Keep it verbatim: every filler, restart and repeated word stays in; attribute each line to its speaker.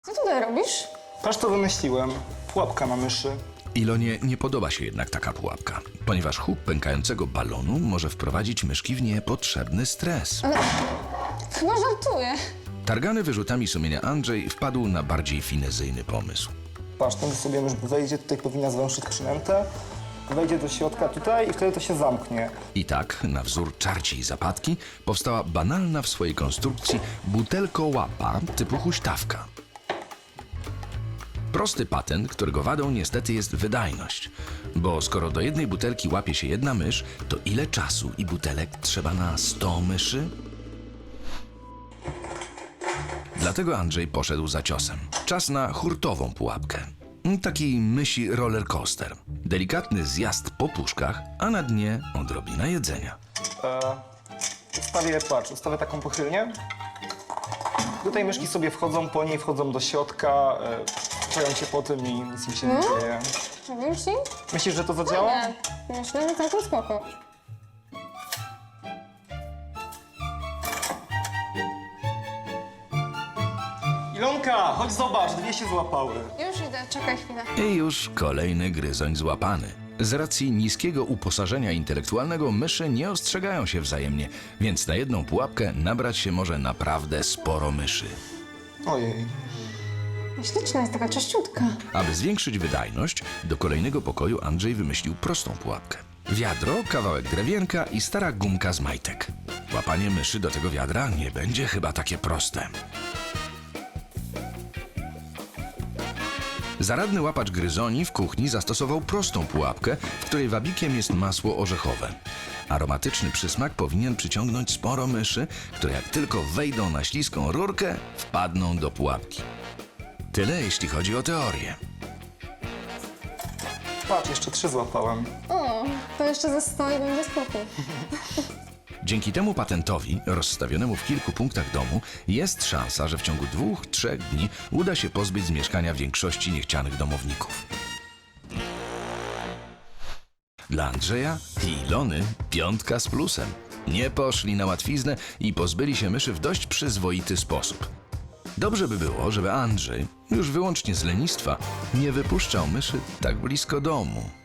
Speaker 1: Co tutaj robisz?
Speaker 2: Patrz, co wymyśliłem. Pułapka na myszy.
Speaker 3: Ilonie nie podoba się jednak taka pułapka, ponieważ huk pękającego balonu może wprowadzić myszki w niepotrzebny stres.
Speaker 1: Ale chyba żartuję.
Speaker 3: Targany wyrzutami sumienia Andrzej wpadł na bardziej finezyjny pomysł.
Speaker 2: Patrz, ten sobie mysz wejdzie, tutaj powinna zwęszyć przynętę. Wejdzie do środka tutaj i wtedy to się zamknie.
Speaker 3: I tak, na wzór czarci i zapadki, powstała banalna w swojej konstrukcji butelko-łapa typu huśtawka. Prosty patent, którego wadą niestety jest wydajność. Bo skoro do jednej butelki łapie się jedna mysz, to ile czasu i butelek trzeba na sto myszy? Dlatego Andrzej poszedł za ciosem. Czas na hurtową pułapkę. Taki mysi roller coaster. Delikatny zjazd po puszkach, a na dnie odrobina jedzenia.
Speaker 2: E, ustawię, patrz, ustawię taką pochylnię. Tutaj myszki sobie wchodzą, po niej wchodzą do środka, e, czują się po tym i nic im się nie dzieje.
Speaker 1: Robisz ci?
Speaker 2: Myślisz, że to zadziała?
Speaker 1: Nie. Myślę, że całkiem spoko.
Speaker 2: Ilonka, chodź zobacz, dwie się złapały.
Speaker 1: Już idę, czekaj chwilę.
Speaker 3: I już kolejny gryzoń złapany. Z racji niskiego uposażenia intelektualnego myszy nie ostrzegają się wzajemnie, więc na jedną pułapkę nabrać się może naprawdę sporo myszy.
Speaker 2: Ojej.
Speaker 1: Śliczna jest taka czyściutka.
Speaker 3: Aby zwiększyć wydajność, do kolejnego pokoju Andrzej wymyślił prostą pułapkę. Wiadro, kawałek drewienka i stara gumka z majtek. Łapanie myszy do tego wiadra nie będzie chyba takie proste. Zaradny łapacz gryzoni w kuchni zastosował prostą pułapkę, w której wabikiem jest masło orzechowe. Aromatyczny przysmak powinien przyciągnąć sporo myszy, które jak tylko wejdą na śliską rurkę, wpadną do pułapki. Tyle jeśli chodzi o teorię.
Speaker 2: Patrz, jeszcze trzy złapałem.
Speaker 1: O, to jeszcze ze sto i będzie spokój.
Speaker 3: Dzięki temu patentowi, rozstawionemu w kilku punktach domu, jest szansa, że w ciągu dwóch, trzech dni uda się pozbyć z mieszkania większości niechcianych domowników. Dla Andrzeja i Ilony piątka z plusem. Nie poszli na łatwiznę i pozbyli się myszy w dość przyzwoity sposób. Dobrze by było, żeby Andrzej, już wyłącznie z lenistwa, nie wypuszczał myszy tak blisko domu.